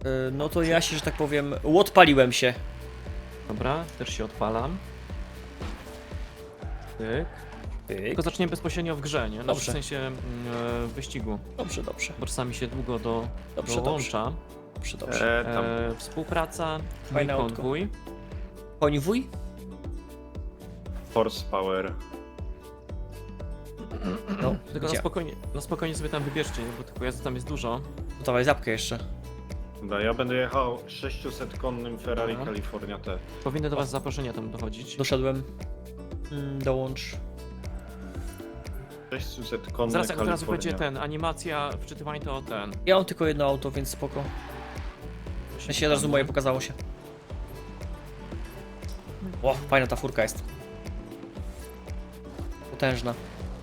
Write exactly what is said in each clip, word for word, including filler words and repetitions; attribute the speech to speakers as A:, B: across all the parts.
A: Yy, no to ja się, że tak powiem, odpaliłem się.
B: Dobra, też się odpalam. Tyk.
A: Tyk.
B: Tylko zaczniemy bezpośrednio w grze, nie? No, w
A: Dobrze.
B: sensie mm, e, wyścigu.
A: Dobrze, dobrze.
B: Bo czasami się długo do,
A: Dobrze,
B: dołącza.
A: Dobrze, dobrze.
C: E, tam.
B: E, współpraca,
A: Fajne
B: mój
A: autko.
B: konwój.
A: Konwój?
C: Force Power.
A: No,
B: Tylko na
A: gdzie?
B: spokojnie, na spokojnie sobie tam wybierzcie, nie? Bo tych pojazdów tam jest dużo.
A: No dawaj zapkę jeszcze.
C: Dobra, ja będę jechał sześćset konnym Ferrari
B: Aha.
C: California T.
B: Powinny do was zaproszenia tam dochodzić.
A: Doszedłem. Mm, dołącz.
C: sześćset konny
B: Zaraz jak od razu
C: California.
B: będzie ten, animacja, wczytywanie to ten.
A: Ja mam tylko jedno auto, więc spoko. W sensie od razu moje pokazało się. O, fajna ta furka jest. Potężna.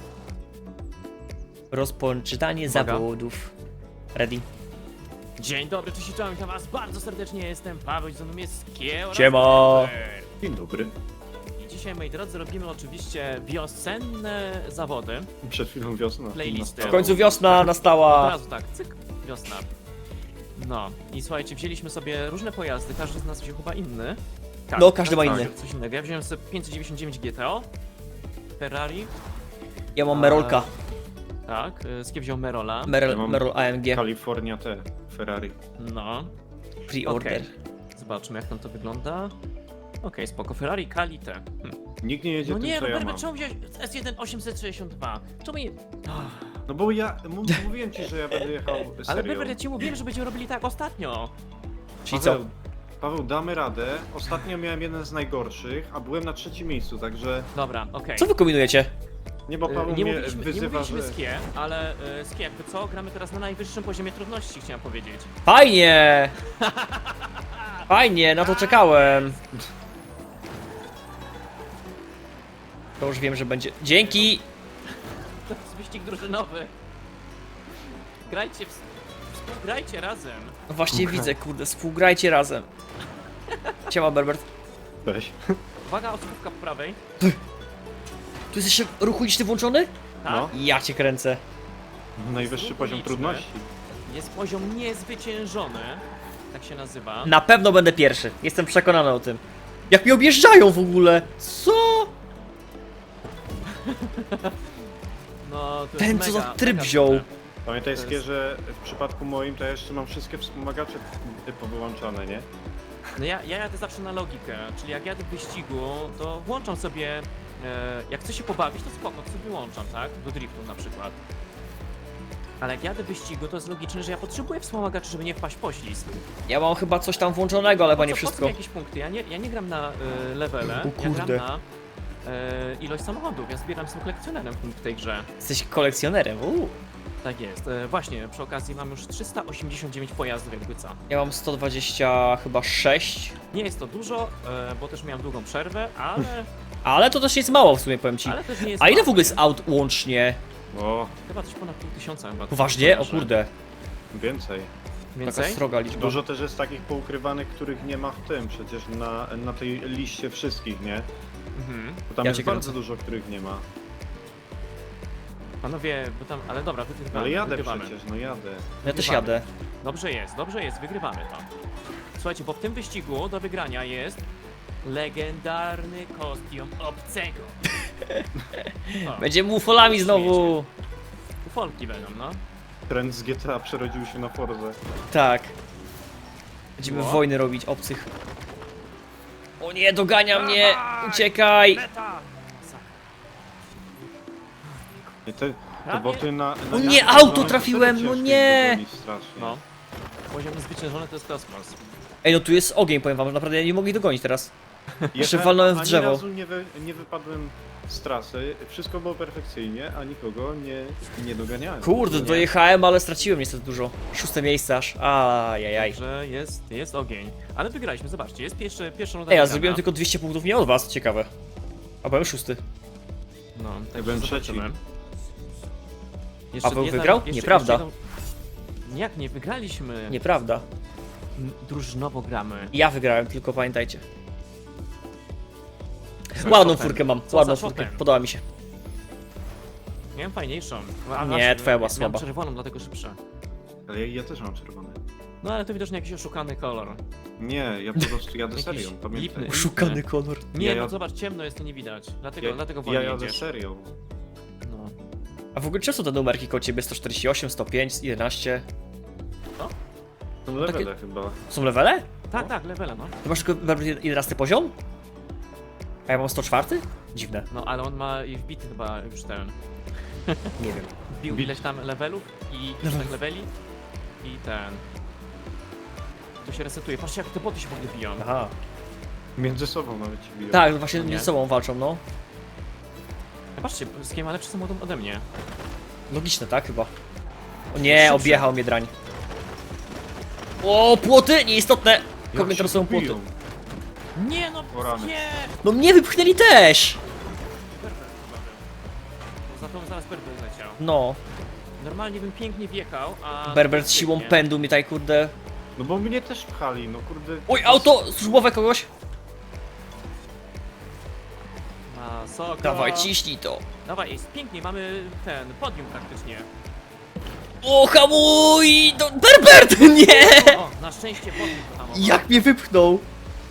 A: Rozpoczynanie
B: Uwaga.
A: zawodów. Ready.
B: Dzień dobry, cześć i czołem, witam was bardzo serdecznie, jestem Paweł, ze mną jest Kie oraz
A: Siema.
B: Robert.
C: Dzień dobry.
B: I dzisiaj, moi drodzy, robimy oczywiście wiosenne zawody.
C: Przed chwilą wiosna.
B: Playlisty.
A: W końcu wiosna
B: Od
A: nastała.
B: razu tak, cyk, wiosna. No i słuchajcie, wzięliśmy sobie różne pojazdy, każdy z nas wziął chyba inny. Tak,
A: No, każdy ma
B: tak,
A: inny.
B: Coś innego. Ja wziąłem sobie pięćset dziewięćdziesiąt dziewięć G T O, Ferrari,
A: Ja mam Merolka.
B: tak, y, Skie wziął Merola.
A: Merol,
C: Ja mam-
A: Merol A M G.
C: California T. Ferrari.
B: No,
A: Pre-order.
B: zobaczmy jak tam to wygląda. Okej, spoko, Ferrari Kalite. Hm.
C: Nikt nie jedzie
B: No
C: tym,
B: nie,
C: co ja
B: Robert,
C: mam.
B: czemu wziąłeś S jeden osiemset sześćdziesiąt dwa? Czemu nie...
C: No bo ja m- mówiłem ci, że ja będę jechał
B: Ale
C: serio.
B: Robert, ja ci mówiłem, że będziemy robili tak ostatnio.
A: Czyli co?
C: Paweł, Paweł, damy radę. Ostatnio miałem jeden z najgorszych, a byłem na trzecim miejscu, także...
B: Dobra, okej.
A: Co wy kombinujecie?
C: Nie, bo
B: Y,
C: Paweł
B: Nie
C: mnie
B: mówiliśmy, nie
C: wyzywa,
B: mówiliśmy
C: że...
B: Skie, ale y, Skie, jakby co? Gramy teraz na najwyższym poziomie trudności, chciałem powiedzieć.
A: Fajnie! Fajnie, na to czekałem. To już wiem, że będzie. Dzięki!
B: To jest wyścig drużynowy. Grajcie, w... współgrajcie razem.
A: No właśnie widzę, kurde, współgrajcie razem. Siema, Berbert.
C: Weź.
B: Uwaga, osobówka po prawej.
A: Tu jest jeszcze ruch uliczny włączony?
B: Tak?
C: No.
A: Ja cię kręcę.
C: Najwyższy
B: Znów
C: poziom
B: uliczny.
C: trudności.
B: Jest poziom niezwyciężony. Tak się nazywa.
A: Na pewno będę pierwszy. Jestem przekonany o tym. Jak mnie objeżdżają w ogóle? Co?
B: No, to jest
A: Ten, co
B: mega,
A: za tryb
B: mega
A: wziął.
B: super.
C: Pamiętaj,
B: To
C: Skie,
B: jest-
C: że w przypadku moim to ja jeszcze mam wszystkie wspomagacze powyłączane, nie?
B: No ja, ja jadę zawsze na logikę, czyli jak jadę w wyścigu, to włączam sobie, e, jak chcę się pobawić, to spoko, to sobie włączam, tak? Do driftu na przykład. Ale jak jadę w wyścigu, to jest logiczne, że ja potrzebuję wspomagaczy, żeby nie wpaść w poślizg.
A: Ja mam chyba coś tam włączonego, ale chyba nie
B: Po co- Po co
A: wszystko.
B: mi jakieś punkty? Ja nie, ja nie gram na e, levele,
A: O
B: ja gram
A: kurde.
B: na e, ilość samochodów. Ja zbieram, jestem kolekcjonerem w tej grze.
A: Jesteś kolekcjonerem, uuu.
B: Tak jest. E, właśnie, przy okazji mam już trzysta osiemdziesiąt dziewięć pojazdów jakby co.
A: Ja mam sto dwadzieścia chyba sześć.
B: Nie jest to dużo, e, bo też miałem długą przerwę, ale,
A: Ale to też jest mało w sumie, powiem ci.
B: ale też nie jest
A: A ile
B: mało,
A: w ogóle
B: nie?
A: jest aut łącznie?
C: O,
B: Chyba coś ponad pół tysiąca chyba.
A: Poważnie? O
B: Że-
A: kurde.
C: więcej.
A: Taka
B: Więcej?
A: sroga liczba.
C: Dużo też jest takich poukrywanych, których nie ma w tym, przecież na, na tej liście wszystkich, nie?
B: Mhm.
C: Bo tam
A: Ja
C: jest
A: cię
C: bardzo
A: kręcę.
C: dużo, których nie ma.
B: Panowie, bo tam, ale dobra, wygrywamy.
C: Ale jadę
B: wygrywamy.
C: przecież, no jadę.
A: Ja też
B: Wygrywamy.
A: jadę.
B: Dobrze jest, dobrze jest, wygrywamy to. Słuchajcie, bo w tym wyścigu do wygrania jest legendarny kostium obcego. O,
A: Będziemy ufolami znowu.
B: ufolki będą, no.
C: Trend z G T A przerodził się na Forzę.
A: Tak. Będziemy
B: No.
A: wojny robić, obcych. O nie, dogania mnie! Uciekaj!
B: Meta!
C: I te, te
B: Prawie-
C: boty na... na
A: O nie,
C: miasto
A: auto
C: zwane
A: trafiłem,
C: serio
A: no
C: ciężko
A: nie!
C: ich dogonić strasznie.
B: No. Poziom niezwyciężony to jest kosmos.
A: Ej, no tu jest ogień, powiem wam, że naprawdę ja nie mogli dogonić teraz. Jeszcze
C: Jechałem,
A: walnąłem w
C: ani
A: drzewo.
C: razu nie, wy, nie wypadłem z trasy, wszystko było perfekcyjnie, a nikogo nie, nie doganiałem.
A: Kurde,
C: Nie.
A: dojechałem, ale straciłem niestety dużo. Szóste miejsce aż. Ajajaj.
B: Że jest, jest ogień. Ale wygraliśmy, zobaczcie, jest pierwszy, pierwsza runda
A: Ej, ja
B: wygrana.
A: zrobiłem tylko dwieście punktów nie od was, ciekawe. A byłem szósty.
B: No, tak
C: byłem
B: zobaczymy.
C: trzeci.
A: Paweł
B: jedna-
A: wygrał?
B: jeszcze-
A: Nieprawda.
B: jeszcze jedną- Jak nie wygraliśmy?
A: Nieprawda.
B: M- Drużynowo gramy.
A: Ja wygrałem, tylko pamiętajcie.
B: Co
A: Ładną
B: za
A: furkę mam,
B: Co
A: ładną
B: za
A: furkę.
B: shotem?
A: Podoba mi się.
B: Miałem fajniejszą. A,
A: Nie,
B: właśnie,
A: twoja była
B: miałem
A: słaba.
B: czerwoną, dlatego szybsza.
C: Ale ja, ja też mam czerwone.
B: No ale to widocznie jakiś oszukany kolor.
C: Nie, ja po prostu jadę
B: Jakiś
C: serią, pamiętaj.
B: lipny.
A: Oszukany kolor.
B: Nie,
C: Ja
B: no
C: jadę-
B: zobacz, ciemno jest, to nie widać. Dlatego,
C: Ja,
B: dlatego
C: ja
B: wolniej
C: jadę
B: jedziesz.
C: serią.
B: No.
A: A w ogóle czy są te numerki koło ciebie? sto czterdzieści osiem, sto pięć, jedenaście?
C: Są levele chyba.
A: Są levele?
B: Tak, tak, levela, no.
A: To masz tylko jedenasty poziom? A ja mam sto cztery? Dziwne.
B: No, ale on ma i wbity chyba już ten.
A: Nie wiem.
B: Wbił
C: Bit.
B: ileś tam levelów i
A: Level.
B: tak leveli i ten. To się resetuje. Patrzcie, jak te boty się w ogóle biją.
A: Aha.
C: Między sobą nawet ci biją.
A: Tak, właśnie
B: Nie?
A: między sobą walczą, no.
B: Patrzcie, z kim ma lepszy samochód ode mnie.
A: Logiczne, tak chyba. O nie,
B: Szybszy.
A: objechał mnie drań. O, płoty! Nieistotne!
C: Jak
A: Kogo
C: się
A: są płoty?
C: biją?
B: Nie no,
C: O rany.
B: nie!
A: No mnie wypchnęli też!
B: Berber chyba był. Za to zaraz Berber leciał.
A: No.
B: Normalnie bym pięknie wjechał, a...
A: Berber z siłą
B: Pięknie.
A: pędu mi tutaj, kurde.
C: No bo mnie też pchali, no kurde.
A: Oj, auto służbowe kogoś!
B: Masakra.
A: Dawaj, ciśnij to.
B: Dawaj, jest pięknie, mamy ten, podium praktycznie.
A: O, hamuj! No, Berbert! Nie!
B: O, na szczęście podium to
A: Jak mnie wypchnął?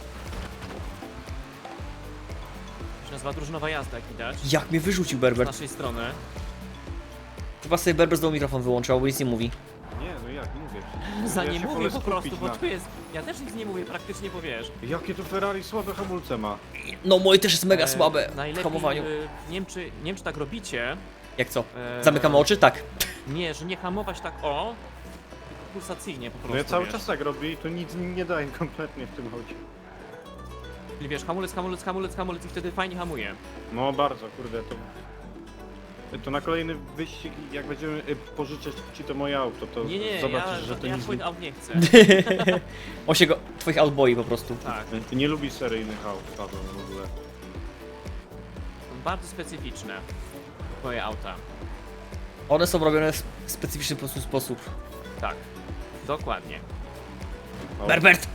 B: To się nazywa drużynowa jazda, jak widać.
A: Jak mnie wyrzucił
B: Z
A: Berbert?
B: naszej strony.
A: Chyba sobie Berber znowu mikrofon wyłączył, bo nic nie mówi.
C: Nie, no jak, nie mówię.
B: Za
C: Ja
B: nie
C: się
B: mówię
C: wolę
B: po prostu,
C: skupić
B: bo
C: na-
B: tu jest... Ja też nic nie mówię praktycznie, bo wiesz.
C: Jakie to Ferrari słabe hamulce ma.
A: No, moje też jest mega
B: e,
A: słabe w
B: najlepiej,
A: hamowaniu.
B: y, Nie wiem, czy, nie wiem, czy tak robicie.
A: Jak co?
B: e,
A: Zamykamy oczy? Tak.
B: Nie, że nie hamować tak o, pulsacyjnie po prostu,
C: No ja cały
B: wiesz.
C: czas tak robię i to nic nie daje kompletnie w tym aucie.
B: Czyli wiesz, hamulec, hamulec, hamulec, hamulec i wtedy fajnie hamuje.
C: No bardzo, kurde, to... To na kolejny wyścig, jak będziemy y, pożyczać ci to moje auto, to
B: Nie, nie,
C: zobaczysz,
B: ja,
C: że to
B: ja
C: nic
B: twoich
C: nie...
B: aut nie chcę.
A: On się go, twoich aut boi po prostu.
B: Tak,
C: Ty nie lubi seryjnych aut, Paweł, w ogóle.
B: są bardzo specyficzne. Twoje auta.
A: One są robione w specyficzny po prostu sposób.
B: Tak, dokładnie.
C: O.
A: Berbert!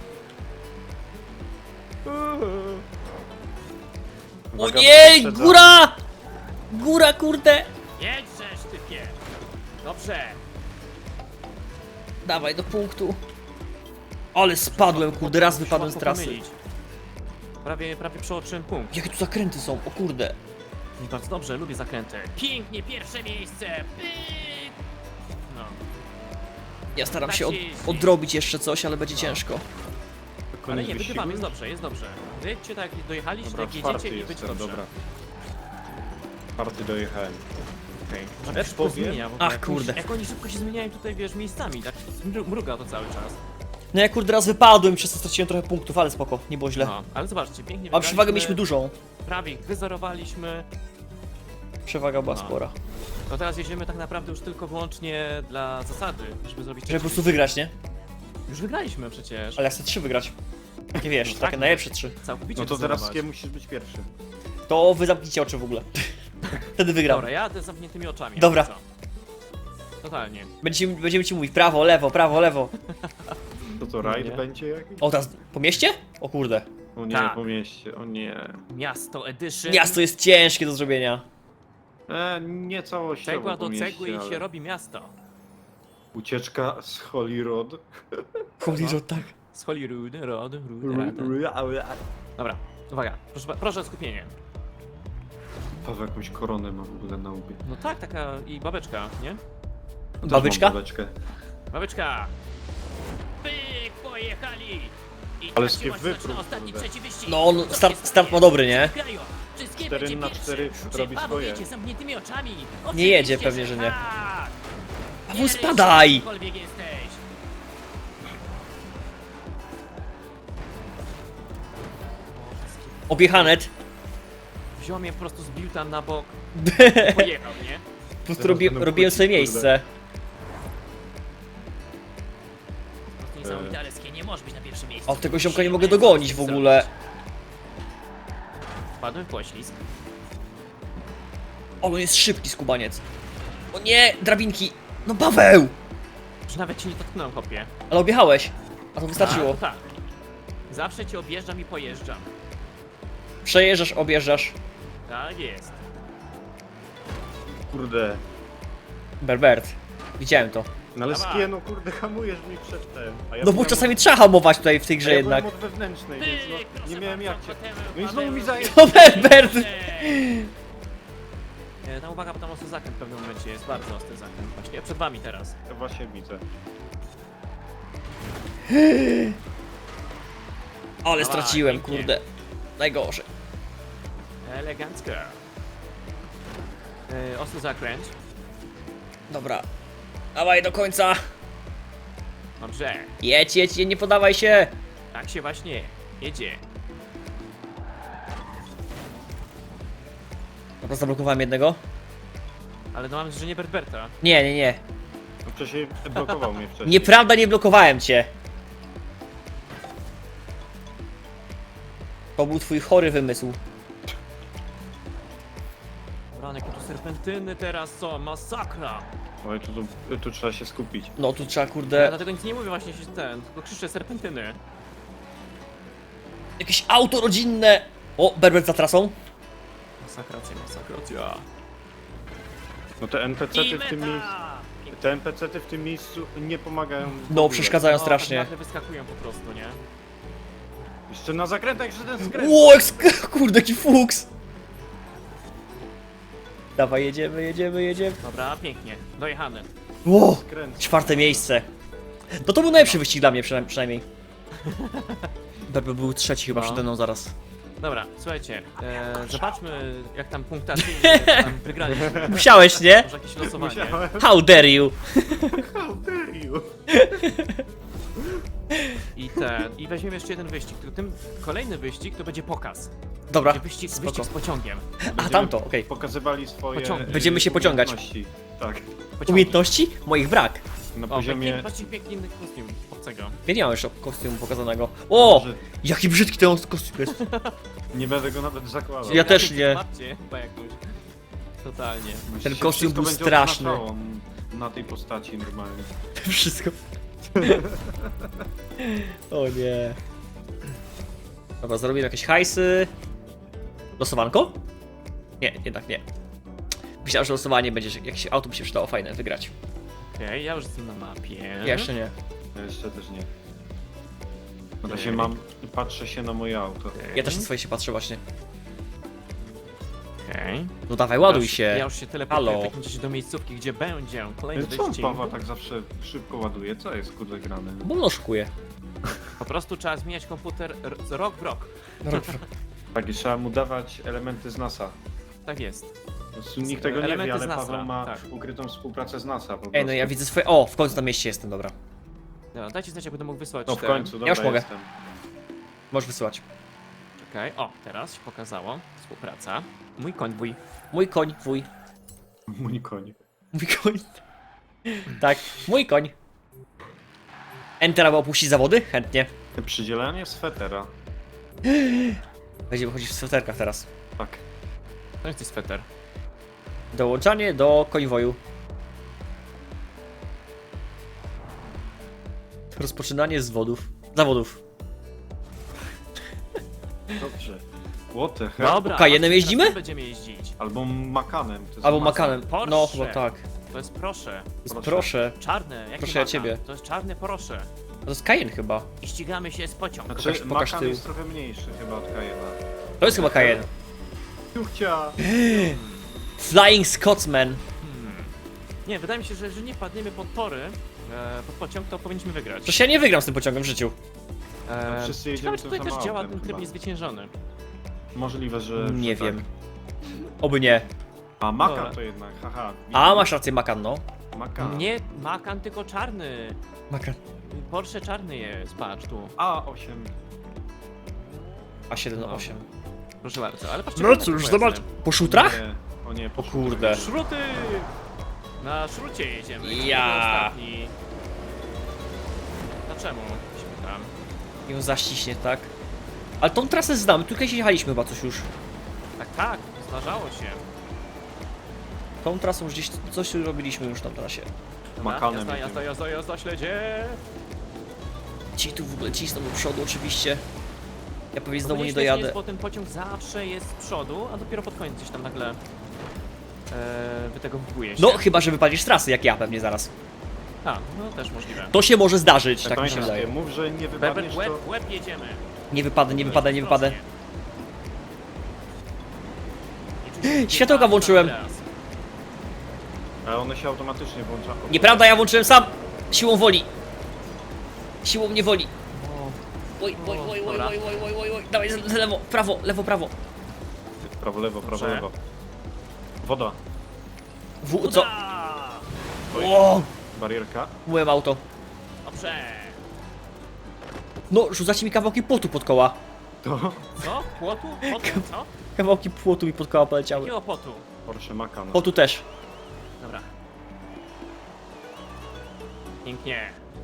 A: O
C: Uwaga,
A: nie!
C: poprzedza.
A: Góra! Góra, kurde!
B: Jedźżesz, typie! Dobrze!
A: Dawaj do punktu. Ale spadłem, kurde, raz wypadłem z
B: Łatwo
A: trasy.
B: pomylić. Prawie, prawie przeoczyłem punkt.
A: Jakie tu zakręty są, o kurde.
B: I bardzo dobrze, lubię zakręty. Pięknie, pierwsze miejsce! Pyk! No.
A: Ja staram
B: Tak
A: się od,
B: się jeździ.
A: odrobić jeszcze coś, ale będzie
B: No.
A: ciężko.
C: Koniec
B: Ale nie,
C: wyścigu?
B: wygrywamy, jest dobrze, jest dobrze. Wyjdźcie tak, jak dojechaliście,
C: Dobra,
B: tak
C: czwarty
B: jedziecie i będzie
C: jestem,
B: dobrze.
C: dobra. Czwarty dojechałem.
B: Okej.
C: Ja
B: Jak szybko
C: powiem-
B: zmienia w ogóle.
A: Ach,
B: Jak
A: kurde.
B: oni- Jak oni szybko się zmieniają tutaj, wiesz, miejscami, tak mru- mruga to cały czas.
A: No ja kurde raz wypadłem, przez to straciłem trochę punktów, ale spoko, nie było źle.
B: No, ale zobaczcie, pięknie
A: A przewagę
B: wygraliśmy,
A: mieliśmy dużą.
B: prawie ich wyzerowaliśmy.
A: Przewaga była
B: No.
A: spora.
B: To teraz jedziemy tak naprawdę już tylko wyłącznie dla zasady, żeby zrobić
A: Żeby po
B: trzeci
A: prostu wygrać, nie?
B: wyścig. Już wygraliśmy przecież.
A: Ale ja chcę trzy wygrać. Nie wiesz,
B: No
A: takie
B: tak.
A: najlepsze trzy.
B: Całkowicie
C: No to teraz
B: wyzerować.
C: kim musisz być pierwszy?
A: To wy zamknijcie oczy w ogóle. Wtedy wygram.
B: Dobra, ja jadę z zamkniętymi oczami.
A: Dobra.
B: jakby co. Totalnie.
A: Będziemy, będziemy ci mówić prawo, lewo, prawo, lewo.
C: To to
B: No
C: rajd
B: nie.
C: będzie jakiś?
A: O, teraz po mieście? O kurde.
C: O nie,
B: Tak.
C: po mieście, o nie.
B: Miasto Edition.
A: Miasto jest ciężkie do zrobienia.
C: E, nie całościowo
B: Cegła
C: po
B: do
C: mieście,
B: cegły i
C: ale
B: się robi miasto.
C: Ucieczka z Holyrood.
A: Holyrood, tak.
B: Z Holyrood, Rod, Rud, Rad. Dobra, uwaga, proszę, proszę skupienie.
C: Paweł jakąś koronę ma w ogóle na łbie.
B: No tak, taka i babeczka, nie?
C: Też
A: Babyczka?
C: mam babeczkę.
B: Babeczka! Pyk, pojechali! I
C: Ale
B: tak się
C: skie
B: właśnie
C: wypróg,
B: zaczyna ostatni
C: kurde.
B: trzeci wyścig.
A: No, on
B: Co
A: start,
B: się
A: start ma
B: stanie?
A: dobry, nie?
B: Grają. Wszystkie
C: Cztery
B: będzie
C: na
B: pierwszy.
C: cztery
B: Czy
C: robi
B: Paweł
C: swoje.
B: jedzie z zamkniętymi oczami?
A: Nie
B: Oczywiście,
A: jedzie, pewnie, że nie.
B: tak.
A: Paweł,
B: Nie
A: spadaj!
B: ryś, gdziekolwiek jesteś.
A: Objechanet.
B: Wziął mnie po prostu, zbił tam na bok. Pojechał, nie?
A: Po prostu
C: Teraz
A: robi,
C: będą
A: robiłem
C: kłócić,
A: sobie
C: kurde.
A: miejsce.
B: Po prostu niesamowite, ale skie nie może być na pierwszym miejscu.
A: O, tego ziomka nie
B: Musimy
A: mogę dogonić w
B: coś
A: ogóle.
B: zrobić. Wpadłem w poślizg.
A: O, on jest szybki skubaniec. O nie, drabinki. No Paweł!
B: Już nawet ci nie dotknąłem, chłopie.
A: Ale objechałeś. A to wystarczyło.
B: A, to tak. Zawsze cię objeżdżam i pojeżdżam.
A: Przejeżdżasz, objeżdżasz.
B: Tak jest.
C: Kurde.
A: Berbert. Widziałem to.
C: No ale
B: Dawaj.
C: skie, no kurde, hamujesz mi przed tym. A ja
A: No bo
C: byłem
A: czasami trzeba hamować tutaj w tej
C: od,
A: grze
C: a ja
A: jednak.
C: byłem od wewnętrznej,
B: Ty,
C: więc no,
B: proszę
C: nie miałem jak
B: bardzo,
C: cię.
B: potem
C: No i znowu mi
B: Paweł-
C: zaje...
A: O, Berbert!
B: E, No uwaga, bo tam ostry zakręt w pewnym momencie jest, bardzo ostry zakręt właśnie. Przed wami teraz.
C: Ja właśnie widzę.
A: Ale
B: Dawaj,
A: straciłem,
B: pięknie.
A: kurde. Najgorzej.
B: Elegancko. E, ostry zakręt.
A: Dobra. Dawaj do końca.
B: Dobrze.
A: Jedź, jedź, nie podawaj się.
B: Tak się właśnie jedzie.
A: Dobra, zablokowałem jednego.
B: Ale no mam, że nie Berberta.
A: Nie, nie, nie.
C: No wcześniej blokował mnie wcześniej.
A: Nieprawda, nie blokowałem cię. To był twój chory wymysł.
B: Ranek, tu serpentyny teraz są, masakra.
C: Oj, tu, tu, tu trzeba się skupić.
A: No tu trzeba,
B: Ja
A: kurde,
B: dlatego nic nie mówię właśnie się ten, tylko krzyczę serpentyny.
A: jakieś auto rodzinne. O, Berbert za trasą.
B: Masakracja, masakracja.
C: No te N P C-ty
B: I
C: w tym miejscu...
B: meta!
C: Te N P C-ty w tym miejscu nie pomagają. w
A: No,
C: ogóle.
A: przeszkadzają
B: No,
A: strasznie.
B: tak nagle wyskakują po prostu, nie?
C: Jeszcze na zakrętach, jeszcze ten skręt.
A: Ło, jak sk- kurde, jaki fuks. Dawaj, jedziemy, jedziemy, jedziemy.
B: Dobra, pięknie, dojechany.
A: Ło,
C: Skręt.
A: czwarte miejsce. No to był najlepszy wyścig dla mnie przynajmniej. przynajmniej. Berbert był trzeci chyba
B: No.
A: przede mną zaraz.
B: Dobra, słuchajcie, e, zobaczmy jak tam punktacyjnie tam wygraliśmy.
A: Musiałeś, nie?
B: Może jakieś losowanie.
C: Musiałem.
A: How dare you?
C: How dare you?
B: I ten, i weźmiemy jeszcze jeden wyścig. Tylko tym kolejny wyścig to będzie pokaz.
A: Dobra,
B: Będzie wyścig,
A: spoko.
B: wyścig z pociągiem.
A: A
C: Będziemy
A: tamto, okej.
C: Pokazywali swoje...
B: Pociągi.
C: y,
A: Będziemy się pociągać.
C: umiejętności. Tak.
B: Pociągi.
A: Umiejętności? Moich brak.
C: Na
B: O,
C: poziomie...
B: piękny, patrzcie, piękny inny kostium obcego.
A: Ja nie mam jeszcze kostiumu pokazanego. O!
C: Że
A: Jaki brzydki ten kostium jest.
C: nie będę go nawet zakładał.
A: Ja też nie.
B: Zobaczcie, chyba jakąś. Totalnie.
A: Ten
C: Się
A: kostium
C: wszystko
A: był
C: będzie
A: straszny.
C: odznaczało na tej postaci normalnie.
A: Wszystko. O nie. Dobra, zrobimy jakieś hajsy. Losowanko? Nie, jednak nie. Myślałem, że losowanie będzie, że jakieś auto by się przydało fajne wygrać.
B: Okej, ja już jestem na mapie.
A: Ja jeszcze nie.
C: Ja jeszcze też nie. Na
B: Okej.
C: razie mam... Patrzę się na moje auto.
B: Okej.
A: Ja też na swoje się patrzę właśnie.
B: Okej.
A: No dawaj, ładuj
B: Ja już-
A: się.
B: Ja już się teleportuję
A: Halo.
B: w takim razie do miejscówki, gdzie będzie kolejny
C: Co on
B: wyścig.
C: Paweł tak zawsze szybko ładuje? Co jest kurde grane?
A: Bo on oszukuje.
B: Po prostu trzeba zmieniać komputer r- z rok w rok.
C: Tak, i trzeba mu dawać elementy z NASA.
B: Tak jest.
C: Po prostu nikt tego nie
B: Elementy
C: wie, ale
B: z NASA,
C: Paweł ma
B: tak.
C: ukrytą współpracę z NASA po prostu.
A: Ej, no ja widzę swoje... O, w końcu na mieście jestem, dobra.
B: Dobra, dajcie znać, jak będę mógł wysłać
C: No w
B: ten-
C: końcu, dobra
A: już mogę.
C: jestem.
A: Możesz wysyłać.
B: Okej, o, teraz się pokazało. Współpraca. Mój konwój.
A: Mój koń, wuj.
C: Mój koń.
A: Mój koń. Tak, mój koń. Enter, aby opuścić zawody? Chętnie.
C: Przydzielanie swetera.
A: Będziemy chodzić w sweterkach teraz.
C: Tak.
B: To jest sweter.
A: Dołączanie do konwoju. Rozpoczynanie z wodów. Zawodów.
C: Dobrze. What the hell?
B: Dobra,
A: Kajenem
B: patrzcie,
A: jeździmy?
B: teraz będziemy jeździć.
C: Albo makanem. To jest
A: Albo
C: masa.
A: makanem.
B: Porsche.
A: No, chyba tak.
B: To jest proszę.
A: Jest
C: Proszę.
A: proszę.
B: Czarne, jak
A: Proszę ja ciebie.
B: To jest czarne proszę.
A: To jest Cayenne chyba.
B: I ścigamy się z pociągiem.
C: Znaczy,
A: Pokaż- pokaż
C: makan
A: tył.
C: jest trochę mniejszy chyba od Cayena.
A: To jest chyba Cayenne.
C: Ciuchcia!
A: Flying Scotsman.
B: Hmm. Nie, wydaje mi się, że jeżeli nie padniemy pod tory, e, pod pociąg, to powinniśmy wygrać.
A: Przecież ja nie wygram z tym pociągiem w życiu.
B: E,
C: wszyscy jedziemy
B: ciekawe, czy
C: tym
B: tutaj też
C: samym
B: działa
C: autem
B: ten tryb
C: chyba.
B: niezwyciężony.
C: Możliwe, że...
A: Nie
C: że
A: wiem.
C: Tak.
A: Oby nie.
C: A makan
B: Dobra.
C: to jednak, haha.
A: A, masz rację, Macan, no.
C: Makan.
B: Nie Macan, tylko czarny.
A: Macan.
B: Porsche czarny jest, patrz tu.
C: A osiem.
A: A siedem osiem.
B: Proszę bardzo, ale patrzcie.
A: No
B: na te
A: cóż,
B: pojazdy.
A: zobacz. Po szutrach?
C: Nie. O nie,
A: O kurde.
B: Szruty! Na szrucie jedziemy.
A: Ja.
B: To był ostatni. Dlaczego? Się pytam.
A: Ją zaściśnie, tak? Ale tą trasę znamy, tu kiedyś jechaliśmy chyba coś już.
B: Tak, tak, zdarzało się.
A: Tą trasą gdzieś coś robiliśmy już na trasie.
B: Dobra,
C: Makanem
B: jazda,
C: jedziemy.
B: jazda, jazda, jazda, śledzie.
A: Ci tu w ogóle cisną do przodu oczywiście. Ja pewnie znowu nie
B: Powinniśmy
A: dojadę.
B: Jest, bo ten pociąg zawsze jest z przodu, a dopiero pod koniec gdzieś tam nagle e, wytegowuje się.
A: No, chyba, że wypalisz z trasy, jak ja pewnie zaraz.
B: A, no też możliwe.
A: To się może zdarzyć, tak mi się
C: Pamiętaj,
A: wydaje.
C: mów, że nie
B: Beber,
C: wypadniesz,
B: łeb,
C: to...
B: łeb jedziemy.
A: Nie wypadę, nie wypadę, nie wypadę.
B: Ostrożnie.
A: Światełka włączyłem.
B: Teraz.
C: A one się automatycznie włączają.
A: Nieprawda, ja włączyłem sam. Siłą woli. Siłą nie woli.
B: O,
A: Oj, oj, oj, oj,
B: Dobra.
A: oj, oj, oj, oj, oj. Dawaj, z- lewo, prawo, lewo, prawo.
C: Prawo, lewo, prawo,
B: Dobrze.
C: lewo. Woda.
A: W, co?
B: Uda!
A: O,
C: Barierka.
A: byłem auto.
B: Dobrze.
A: No, rzucacie mi kawałki płotu pod koła.
C: To
B: Co? Płotu? Potu? Co?
A: Kawałki płotu mi pod koła poleciały.
B: Jakiego potu?
C: Porsche Macan.
A: Płotu też.
B: Dobra. Pięknie.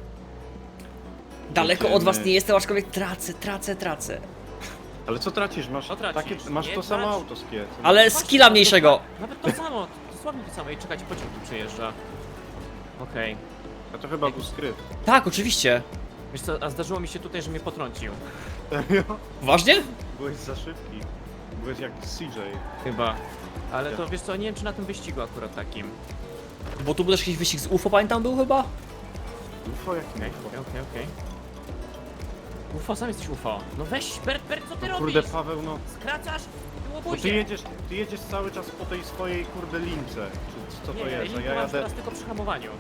A: Daleko
C: Jedziemy.
A: od was nie jestem, aczkolwiek tracę, tracę, tracę.
C: Ale co tracisz? Masz,
B: Co tracisz?
C: takie, masz
B: Nie
C: to samo
B: trać.
C: auto z Kiet.
A: Ale skilla mniejszego.
B: Nawet to samo, dosłownie to samo. I czekajcie, pociąg tu przejeżdża. Okej.
C: A to chyba był skrypt.
A: Tak, oczywiście.
B: Wiesz co, a zdarzyło mi się tutaj, że mnie potrącił.
C: Serio?
A: Poważnie?
C: Byłeś za szybki. Byłeś jak C J.
B: Chyba. Ale to wiesz co, nie wiem czy na tym wyścigu akurat takim.
A: Bo tu był też jakiś wyścig z U F O, pamiętam, był chyba?
C: U F O jakim
B: Okej,
C: U F O?
B: okej, okej, okej. U F O, sam jesteś U F O. No weź, Bert, Bert, co ty
C: No
B: robisz?
C: kurde Paweł, no.
B: Skracasz
C: Bo
B: łobuzie.
C: ty jedziesz, ty jedziesz cały czas po tej swojej kurde lince. Czy co to
B: Nie,
C: jest? A
B: nie,
C: ja
B: masz
C: jadę...
B: teraz tylko przy hamowaniu.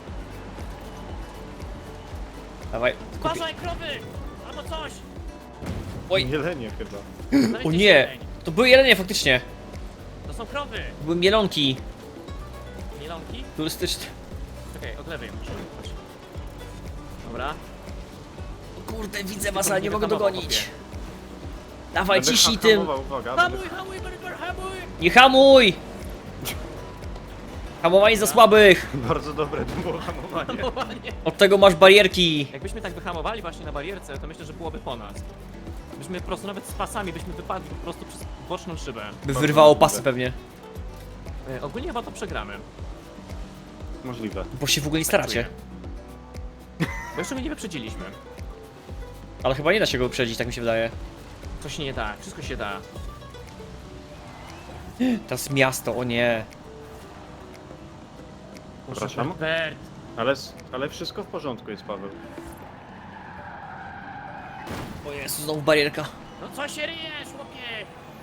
A: Dawaj. Kupi...
B: Uważaj, krowy! Albo coś!
A: Oj.
C: Jelenie chyba.
A: O nie! To były jelenie faktycznie.
B: To są krowy!
A: Były mielonki.
B: Mielonki?
A: Turystyczne.
B: Czekaj, od lewej muszę jechać. Dobra.
A: O kurde, widzę was,
B: Tylko
A: ale nie
B: nie
A: mogę
B: wyhamował,
A: dogonić.
B: chłopie.
A: Dawaj,
C: Będę
A: ciśnij
C: ha-
A: tym.
C: hamował, uwaga.
B: Hamuj,
C: Będę...
B: hamuj, Berber, hamuj!
A: Nie hamuj! Hamowanie za słabych.
C: Bardzo dobre to było hamowanie.
B: Hamowanie.
A: Od tego masz barierki.
B: Jakbyśmy tak wyhamowali właśnie na barierce, to myślę, że byłoby po nas. Byśmy po prostu nawet z pasami byśmy wypadli po prostu przez boczną szybę.
A: By wyrwało pasy pewnie.
B: E, ogólnie chyba to przegramy.
C: Możliwe.
A: Bo się w ogóle nie staracie.
B: Bo jeszcze my nie wyprzedziliśmy.
A: Ale chyba nie da się go wyprzedzić, tak mi się wydaje.
B: To się nie da, wszystko się da.
A: Teraz miasto, o nie.
C: Przepraszam?
B: Bert,
C: Ale, ale wszystko w porządku jest, Paweł.
A: O Jezu, znowu barierka.
B: no co się ryjesz, chłopie?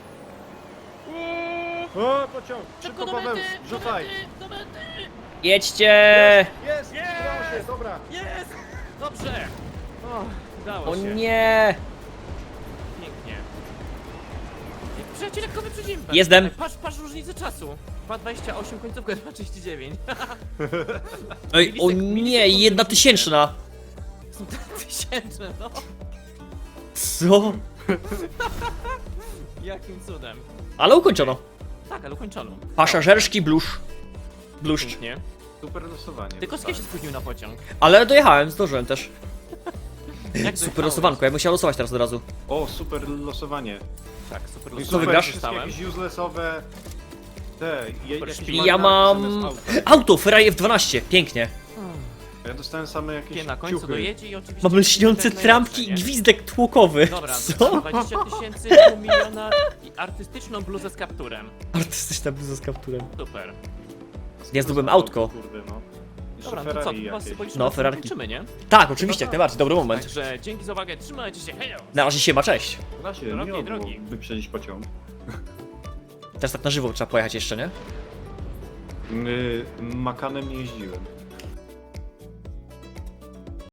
C: O, pociąg!
B: Szybko
C: Szybko,
B: do
C: Paweł,
B: mety, do
C: rzucaj!
B: mety, do mety!
A: Jedźcie!
C: Jest! Udało się, dobra!
B: Jest! Dobrze! O, udało
A: O
B: się.
A: nie!
B: Pięknie. Przyjaciel, lekko wyprzedzimy.
A: Jestem.
B: Patrz, patrz różnicę czasu. dwa dwadzieścia osiem, końcówka dwa trzydzieści dziewięć.
A: Ej, o nie, jedna tysięczna.
B: Są tysięczne, no.
A: Co?
B: Jakim cudem.
A: Ale ukończono.
B: Tak, ale ukończono.
A: Pasażerski blusz. Bluszcz.
B: Pięknie.
C: Super losowanie.
B: Tylko Skie się spóźnił na pociąg.
A: Ale dojechałem, zdążyłem też.
B: Jak
A: Super
B: dojechałeś?
A: losowanko, ja bym musiał losować teraz od razu.
C: O, super losowanie.
B: Tak, super
C: No i
A: Co
C: super,
A: wygrasz?
C: wszystkie
B: Dostałem.
C: jakieś uselessowe... Te, je,
B: Super
C: jakieś
B: szpili.
A: Ja
C: marynarki
A: mam...
C: zamiast auta.
A: Auto, Ferrari F dwanaście, pięknie.
C: Ja dostałem same
B: Pię
C: jakieś
B: na końcu
C: ciuchy.
B: dojedzie i oczywiście...
A: Mam lśniące
B: jak
A: trampki i
B: najlepsze, nie?
A: gwizdek tłokowy.
B: Dobra,
A: Co?
B: dwadzieścia tysięcy, pół miliona i artystyczną bluzę z kapturem.
A: Artystyczna bluza z kapturem.
B: Super.
A: Ja zdobyłem autko.
C: Kurde, no. Jeszcze
B: Dobra, no to co,
C: Ferrari
B: to chyba
C: jakieś.
B: symbolicznie
A: No,
B: no,
A: Ferrarki.
B: kończymy, nie?
A: Tak, oczywiście, jak najbardziej, dobry moment.
B: Także dzięki za uwagę, trzymajcie się, hejo!
A: Na razie się ma, cześć.
C: Da się,
B: Drogi,
C: miło było
B: drogi.
C: wyprzedzić pociąg.
A: Teraz tak na żywo trzeba pojechać jeszcze, nie?
C: Yy, Makanem nie jeździłem.